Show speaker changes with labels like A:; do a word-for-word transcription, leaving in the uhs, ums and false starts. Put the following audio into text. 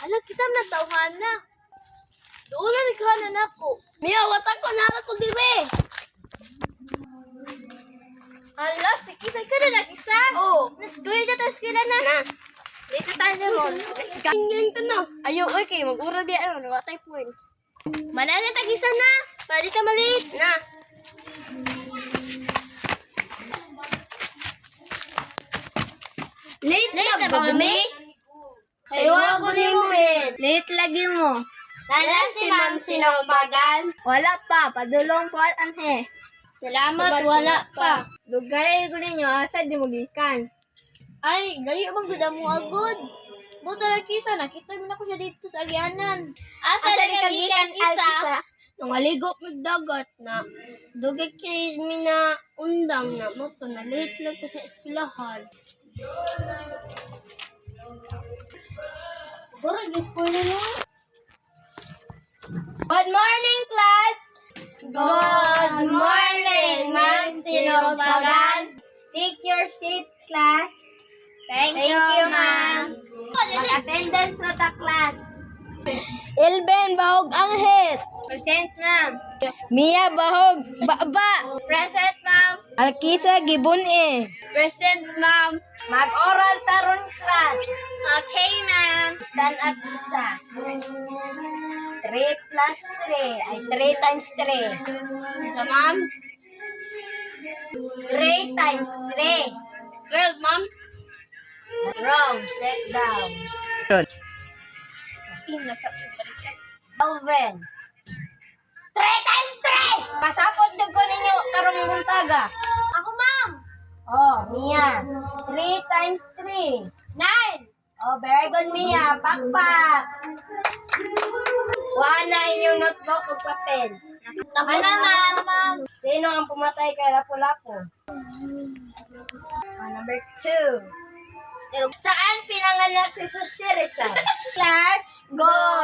A: Hala, kisam na tauhan na. Doon na naghanan ako.
B: Mia, watak ko na ako dire.
A: Hala, si Kisay ka na nag-isa.
B: Oo.
A: Tuloy na tayo skila na.
B: Na.
A: Dito tayo na ron.
B: Ganyan ka na.
A: Ayaw, oy, kayo mag-ura biya. Ano, wala tayo points. Manala tag-isa na. Para di ka maliit.
B: Na. Late,
A: Late na ba kami?
B: Ayaw
A: ko ni Mumin.
B: Late lagi mo.
A: Nala si Ma'am Sinambagan.
B: Wala pa, padulong po at anhe.
A: Salamat, wala pa.
B: Dugay ko ninyo, asa di mo gikan.
A: Ay, layo mang gud mo agod. Buto na Kisa, nakita mo na ko siya dito sa agyanan. Asa na kagikan Kisa?
B: Nung aligo magdagat na, dugay kay mi na undang na mo to, na late lang ko sa eskwelahan.
A: Bora, gift ko na mo.
B: Good morning, class!
A: Good morning, Ma'am Sinambagan.
B: Take your seat, class.
A: Thank,
B: Thank you, ma'am.
A: Mag-attendance na ta, class.
B: Elben Bahog Anghit. Present, ma'am. Mia Bahog Baba.
A: Present, ma'am.
B: Alkisa Gibon E.
A: Present, ma'am.
B: Mag-oral taron class.
A: Okay, ma'am.
B: Stand up isa. three plus three. Ay, three times three.
A: So, ma'am?
B: three times three.
A: twelve, ma'am.
B: Wrong. Sit down. Alvin. three times three! Pasapot yung ko ninyo karong buntaga.
A: Ako, ma'am.
B: Oh, Mia. three times three.
A: nine.
B: Oh, very good, Mia. Pakpak. Kuha na inyong notebook o papel.
A: Tapos
B: Ano, ma'am?
A: ma'am.
B: Sino ang pumatay kay Lapu-Lapu? Oh, number two. Saan pinanganak si Susi Rizal? Class, go!